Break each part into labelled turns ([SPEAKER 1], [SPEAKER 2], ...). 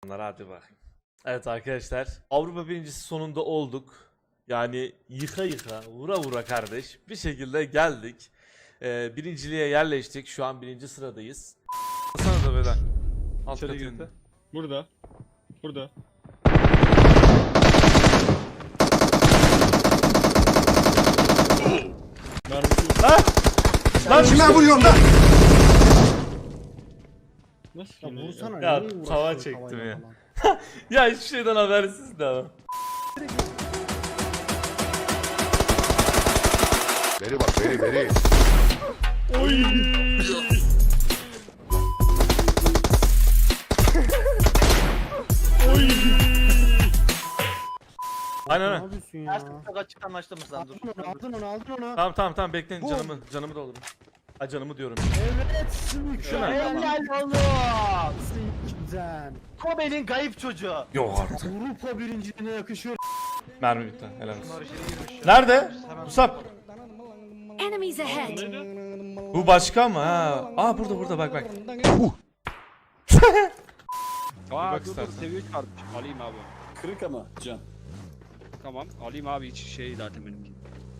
[SPEAKER 1] Hadi bakayım. Evet arkadaşlar, Avrupa birincisi sonunda olduk. Yani yıka yıka, vura vura kardeş bir şekilde geldik. Birinciliğe yerleştik. Şu an birinci sıradayız. Sana da böyle. Alt
[SPEAKER 2] İçeri
[SPEAKER 1] katında.
[SPEAKER 2] girdi. Burada. Burada. Mermisi
[SPEAKER 1] Lan! Lan
[SPEAKER 3] Kime
[SPEAKER 1] işte-
[SPEAKER 3] vuruyorsun lan?
[SPEAKER 2] nasıl
[SPEAKER 3] Ya
[SPEAKER 2] yine
[SPEAKER 3] vursana
[SPEAKER 1] Ya,
[SPEAKER 3] niye
[SPEAKER 1] tava
[SPEAKER 3] uğraşıyorsun
[SPEAKER 1] çektim
[SPEAKER 3] tavayla
[SPEAKER 1] ya.
[SPEAKER 3] falan?
[SPEAKER 1] Ya hiçbir şeyden habersiz de ama.
[SPEAKER 3] Beri bak beri.
[SPEAKER 2] Oy! Oy!
[SPEAKER 1] Aynen
[SPEAKER 3] Ne
[SPEAKER 1] aynen.
[SPEAKER 3] yapıyorsun ya?
[SPEAKER 4] Ters tık açık anlaştığımız lan dur.
[SPEAKER 3] Aldın onu.
[SPEAKER 1] Tamam bekleyin, canımı doldurun. Ha, canımı diyorum.
[SPEAKER 3] Evet, mükemmel.
[SPEAKER 4] Helal oğlum.
[SPEAKER 3] Güzel.
[SPEAKER 4] Kobe'nin kayıp çocuğu.
[SPEAKER 1] Yok artık.
[SPEAKER 3] Avrupa birinciliğine yakışıyor.
[SPEAKER 1] Mermi bitti. Helal olsun. Nerede? Musab.
[SPEAKER 5] Enemies ahead.
[SPEAKER 1] Bu başka mı ha? Aa burada bak.
[SPEAKER 6] Aa
[SPEAKER 1] bak
[SPEAKER 6] dur
[SPEAKER 1] istersen.
[SPEAKER 6] seviye 3 varmış. Alayım abi.
[SPEAKER 2] Kırık ama can.
[SPEAKER 6] Tamam alayım abi hiç şey zaten benimki.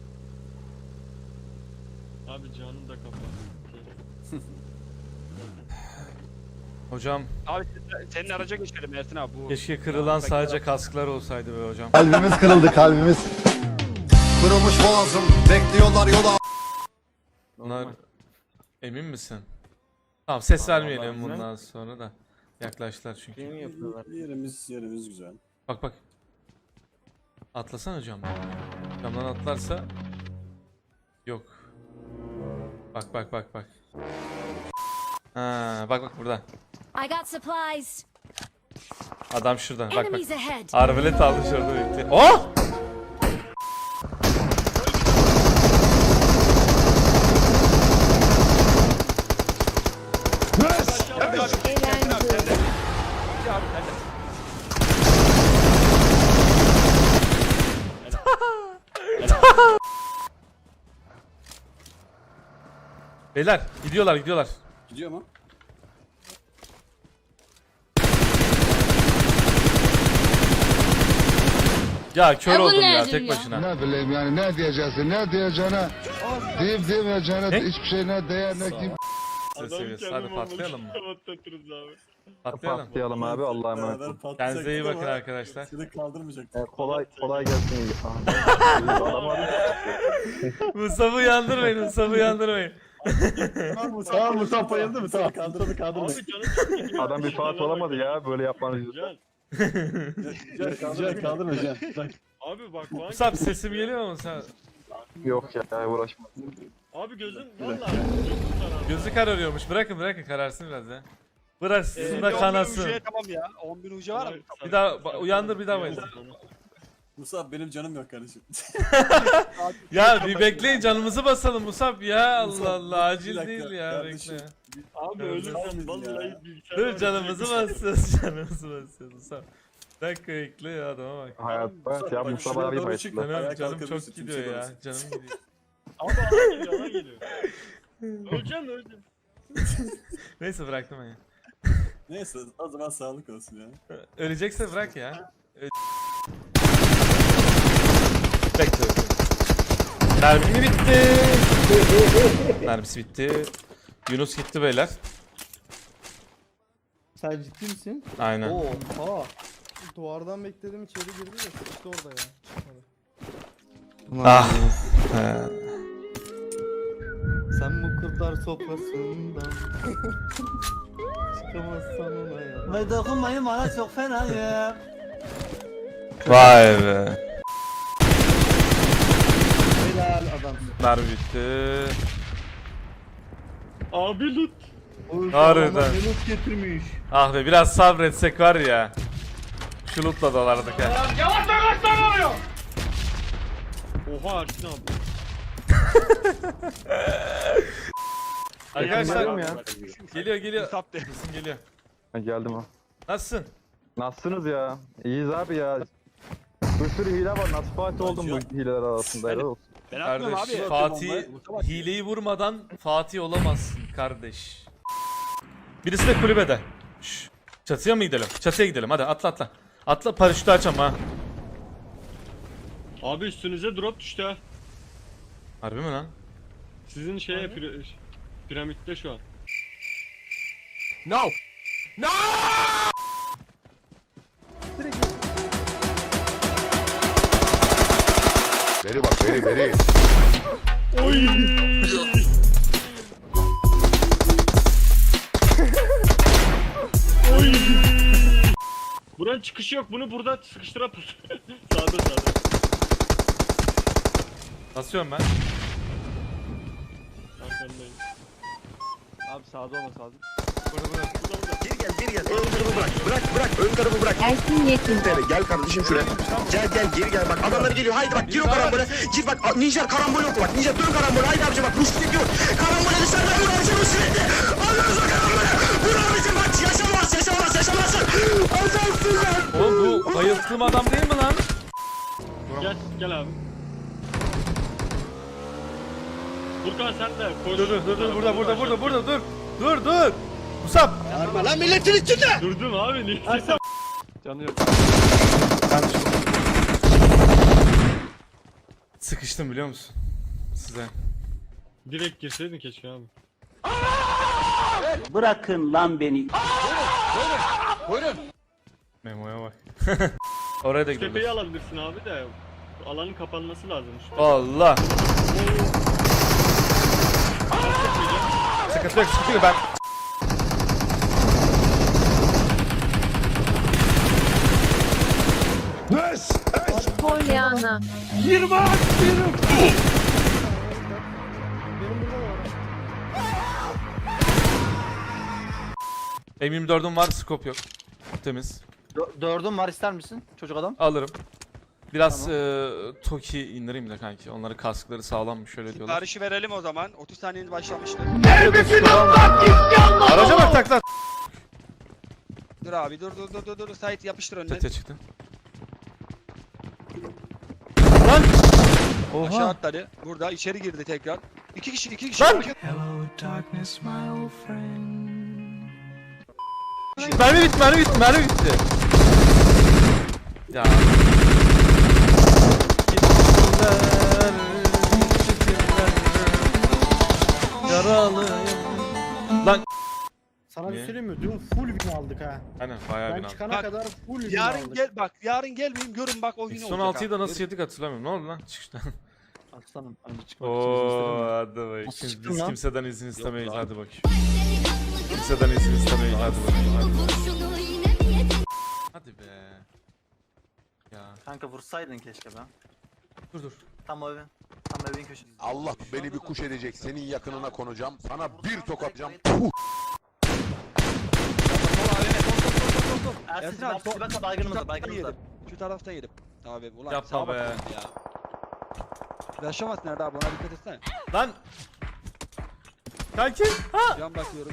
[SPEAKER 2] Abi canın da kapat.
[SPEAKER 1] Hocam
[SPEAKER 6] Abi senin araca geçelim Ersin abi bu.
[SPEAKER 1] keşke kırılan sadece kasklar olsaydı be hocam.
[SPEAKER 3] Kalbimiz kırıldı kalbimiz. Kırılmış boğazım bekliyorlar yola.
[SPEAKER 1] Bunlar emin misin? Tamam, ses vermeyelim bundan sonra da. Yaklaştılar çünkü.
[SPEAKER 2] Yerimiz güzel.
[SPEAKER 1] Bak. Atlasana hocam. Camdan atlarsa yok. Bak. Ha, bak burada.
[SPEAKER 5] I got supplies.
[SPEAKER 1] Adam şurada. Bak.
[SPEAKER 5] Enemies ahead.
[SPEAKER 1] Arbalet aldı şurada bekle. Oh! Beyler gidiyorlar.
[SPEAKER 2] Gidiyor mu?
[SPEAKER 1] Ya kör oldum ya tek başına.
[SPEAKER 7] Ne bileyim yani ne diyeceksin ne diyeceğine deyip demeyeceğine
[SPEAKER 1] Ne?
[SPEAKER 7] hiçbir şey ne değer ne kim.
[SPEAKER 1] Ses seviyesi. Hadi patlayalım mı?
[SPEAKER 2] Patlatırız abi.
[SPEAKER 1] Patlayalım.
[SPEAKER 8] Patlayalım abi Allah'a emanet olun.
[SPEAKER 1] Kendinize iyi bakın arkadaşlar.
[SPEAKER 2] Seni kaldırmayacak.
[SPEAKER 8] Kolay gelsin.
[SPEAKER 1] Musab'ı uyandırmayın.
[SPEAKER 2] Tamam Musab bayıldı mı? Tamam kaldırdı. Abi canım
[SPEAKER 8] Adam bir Fatih olamadı ya böyle yapmanız yüzünden.
[SPEAKER 2] Can kaldırma Can. Abi bak bu
[SPEAKER 1] Musab sesim geliyor mu sen?
[SPEAKER 8] Yok ya uğraşma.
[SPEAKER 2] Abi gözün valla.
[SPEAKER 1] Gözü kararıyormuş. Bırakın kararsın biraz ya. Bıraksın da kanasın.
[SPEAKER 6] Tamam ya 10.000 ucu var mı?
[SPEAKER 1] Bir daha uyandır, bir daha bayıldır.
[SPEAKER 2] Musab benim canım yok kardeşim.
[SPEAKER 1] Ya bir bekleyin, canımızı basalım Musab ya. Allah acil
[SPEAKER 2] Bir dakika,
[SPEAKER 1] değil ya,
[SPEAKER 2] kardeşim.
[SPEAKER 1] bekle.
[SPEAKER 2] Abi ölürsen vallahi bilgisayar.
[SPEAKER 1] Dur, canımızı basacağız Musab. Bir dakika bekle ya, adama bak.
[SPEAKER 8] Hayat ya Mustafa abi bayıldı.
[SPEAKER 1] Canım çok gidiyor ya. Canım gidiyor.
[SPEAKER 2] Abi alan geliyor. Öleceğim.
[SPEAKER 1] Neyse bıraktım ben ya.
[SPEAKER 2] Neyse o zaman sağlık olsun ya.
[SPEAKER 1] Ölecekse bırak ya. Bekle. Mermi bitti. Mermisi bitti. Yunus gitti beyler.
[SPEAKER 3] Sen ciddi misin?
[SPEAKER 1] Aynen.
[SPEAKER 3] Oha. Duvardan bekledim içeri girdi de sıkıştı orada ya.
[SPEAKER 1] Ah. He.
[SPEAKER 3] Sen bu kurtlar sofrasından çıkamazsan ona ya.
[SPEAKER 4] Ve dokunmayın bana çok fena ya.
[SPEAKER 1] Vay be.
[SPEAKER 3] Helal adam.
[SPEAKER 1] Mermi bitti.
[SPEAKER 2] Abi loot.
[SPEAKER 1] Harbiden.
[SPEAKER 3] Yunus getirmiş.
[SPEAKER 1] Ah be, biraz sabretsek var ya. Şu lootla dalardık ha.
[SPEAKER 2] Oha Ersin abi.
[SPEAKER 1] Arkadaşlar
[SPEAKER 8] ya.
[SPEAKER 1] geliyor.
[SPEAKER 6] Musab de.
[SPEAKER 1] Sesim geliyor.
[SPEAKER 8] Geldim ha.
[SPEAKER 1] Nasılsın?
[SPEAKER 8] Nasılsınız ya? İyiyiz abi ya. Bir sürü hile var. Nasıl Fatih oldum bu hileler arasında? Helal olsun.
[SPEAKER 6] Ben atmıyorum
[SPEAKER 1] Kardeş,
[SPEAKER 6] abi.
[SPEAKER 1] Fatih hileyi vurmadan Fatih olamazsın kardeş. Birisi de kulübede. Şşş. Çatıya mı gidelim? Çatıya gidelim hadi atla atla. Atla paraşütü açam ha.
[SPEAKER 9] Abi üstünüze drop düştü ha.
[SPEAKER 1] Harbi mi lan?
[SPEAKER 9] Sizin şeye piramitte şu an.
[SPEAKER 7] Veri bak veri veri.
[SPEAKER 9] Buranın çıkışı yok. Bunu burada sıkıştıra pus. Sağda.
[SPEAKER 1] Basıyorum ben.
[SPEAKER 9] Arkandayım.
[SPEAKER 8] Abi sağda olması lazım.
[SPEAKER 2] Geri gel. Ön tarafı bırak. Ön tarafı bırak.
[SPEAKER 5] Ersin Yekin.
[SPEAKER 2] Gel kardeşim şuraya. Gel geri gel bak. Adamlar geliyor. Haydi bak gir o karambole. Gir bak. Ninja karambol yok bak. Ninja dön karambole. Haydi abici bak. Rüştü yok. Karambole dışarıda vur abicim sürekli. Alıyoruz o karambole. Vur abicim bak. Yaşamazsın. Azansın lan.
[SPEAKER 1] Oğlum bu bayılttığım adam değil mi lan?
[SPEAKER 9] Gel abi. Furkan sen de koş.
[SPEAKER 1] Dur burada dur. Musab.
[SPEAKER 9] Durdum abi niye?
[SPEAKER 8] Canı yok.
[SPEAKER 1] Sıkıştım biliyor musun? Size.
[SPEAKER 9] Direkt girseydin keşke abi.
[SPEAKER 4] Bırakın lan beni.
[SPEAKER 1] Memo'ya bak. Oraya da gidelim.
[SPEAKER 9] Tepeyi alabilirsin abi de alanın kapanması lazım.
[SPEAKER 1] Allah. Sıkıntı yok ben.
[SPEAKER 5] Pollyanna.
[SPEAKER 1] M24'üm var, scope yok. Temiz.
[SPEAKER 4] Dördüm var, ister misin çocuk adam?
[SPEAKER 1] Alırım. Biraz Toki indireyim de kanki. Onların kaskları sağlammış şöyle diyorlar.
[SPEAKER 6] Siparişi verelim o zaman. 30 saniyeniz başlamıştır.
[SPEAKER 1] Araca bak takla.
[SPEAKER 6] Dur abi dur. Sait yapıştır önüne.
[SPEAKER 1] Çatıya çıktı. Lan!
[SPEAKER 6] Aşağı
[SPEAKER 1] Oha!
[SPEAKER 6] atladı. Burada içeri girdi tekrar. İki kişi.
[SPEAKER 1] Lan! Mermi bitti. Ya. Yaralıyım. Lan.
[SPEAKER 2] Sana
[SPEAKER 1] Niye?
[SPEAKER 2] bir söyleyeyim mi? Dün full win aldık ha.
[SPEAKER 1] Aynen bayağı
[SPEAKER 2] Ben
[SPEAKER 1] bin aldım.
[SPEAKER 2] çıkana
[SPEAKER 6] Bak,
[SPEAKER 2] kadar full win
[SPEAKER 6] Yarın
[SPEAKER 2] aldık.
[SPEAKER 6] yarın gelmeyin görün bak o gün
[SPEAKER 1] Son
[SPEAKER 6] olacak.
[SPEAKER 1] 6'yı da
[SPEAKER 6] ha.
[SPEAKER 1] nasıl yedik hatırlamıyorum. Ne oldu lan çıkışta?
[SPEAKER 4] Aslanım önce çıkmak için izin istedim
[SPEAKER 1] Ooo
[SPEAKER 4] mi?
[SPEAKER 1] hadi bakayım.
[SPEAKER 4] Nasıl
[SPEAKER 1] Biz
[SPEAKER 4] çıktın lan?
[SPEAKER 1] kimseden izin istemeyiz
[SPEAKER 6] lan.
[SPEAKER 1] hadi bakayım. Kimseden izin istemeyiz hadi bakayım. Hadi be. Ya
[SPEAKER 4] Kanka vursaydın keşke be.
[SPEAKER 1] dur.
[SPEAKER 4] Tam evin köşesi.
[SPEAKER 7] Allah beni bir kuş edecek. Senin yakınına konacağım. Sana bir tokatacağım.
[SPEAKER 4] Ersin
[SPEAKER 6] abi,
[SPEAKER 4] abi bak baygınımızda baygınımızda.
[SPEAKER 6] Şu tarafta yedim. Abi ulan
[SPEAKER 1] Yapma
[SPEAKER 6] sağa
[SPEAKER 1] be.
[SPEAKER 6] bakalım ya. Yaşamaz nerede abi ona dikkat etsene.
[SPEAKER 1] Lan. Kanki. Ha.
[SPEAKER 6] Can bakıyorum.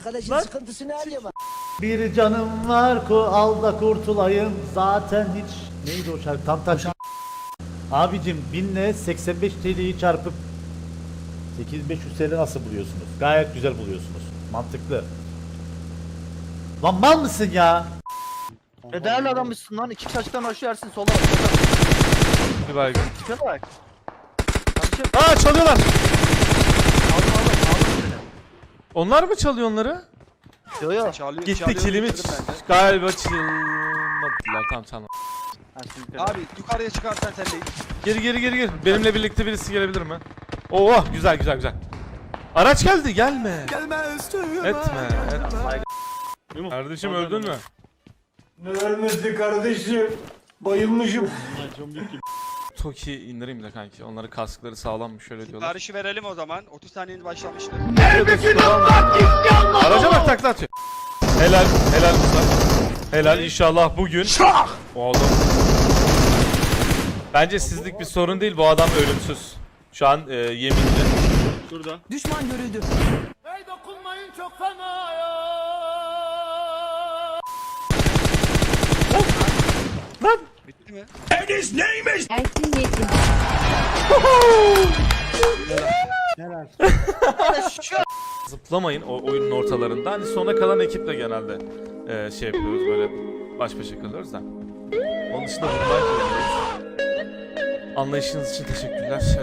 [SPEAKER 10] Bir canım var ku al da kurtulayım zaten hiç neydi o şarkı tam taş. Abicim 1000'le 85 TL'yi çarpıp 8500 TL nasıl buluyorsunuz? Gayet güzel buluyorsunuz. Mantıklı. Lan mal mısın ya?
[SPEAKER 4] Değerli adammışsın lan. İki kişi açıktan başlıyor Ersin solda. Solda.
[SPEAKER 1] Bir baygın.
[SPEAKER 4] Tipe bak. Kardeşim
[SPEAKER 1] Aa çalıyorlar.
[SPEAKER 4] aldım seni.
[SPEAKER 1] Onlar mı çalıyor onları?
[SPEAKER 4] Yo.
[SPEAKER 1] Gitti kilimi
[SPEAKER 6] bitirdim bence.
[SPEAKER 1] galiba çalmadılar. Tamam.
[SPEAKER 4] Ersin yukarı.
[SPEAKER 6] Abi yukarıya çıkarsan sen de
[SPEAKER 1] Gir. Benimle birlikte birisi gelebilir mi? Oo güzel. Araç geldi gelme. Etme. Kardeşim öldün mü?
[SPEAKER 2] Ne ölmesi kardeşim? Bayılmışım.
[SPEAKER 1] Toki indireyim de kanki. Onların kaskları sağlammış şöyle diyorlar.
[SPEAKER 6] siparişi verelim o zaman. 30 saniyeniz başlamıştır.
[SPEAKER 1] Araca bak takla atıyor. Helal Musa. Helal inşallah bugün. O adam. Bence sizlik bir sorun değil, bu adam ölümsüz. Şu an yeminli.
[SPEAKER 9] Şurada.
[SPEAKER 1] Lan.
[SPEAKER 6] Bitti mi?
[SPEAKER 5] Ersin Yekin.
[SPEAKER 2] Helal.
[SPEAKER 1] Zıplamayın o oyunun ortalarında. Hani sona kalan ekiple genelde şey yapıyoruz böyle baş başa kalıyoruz da. Onun dışında vurmak zorundayız. Anlayışınız için teşekkürler.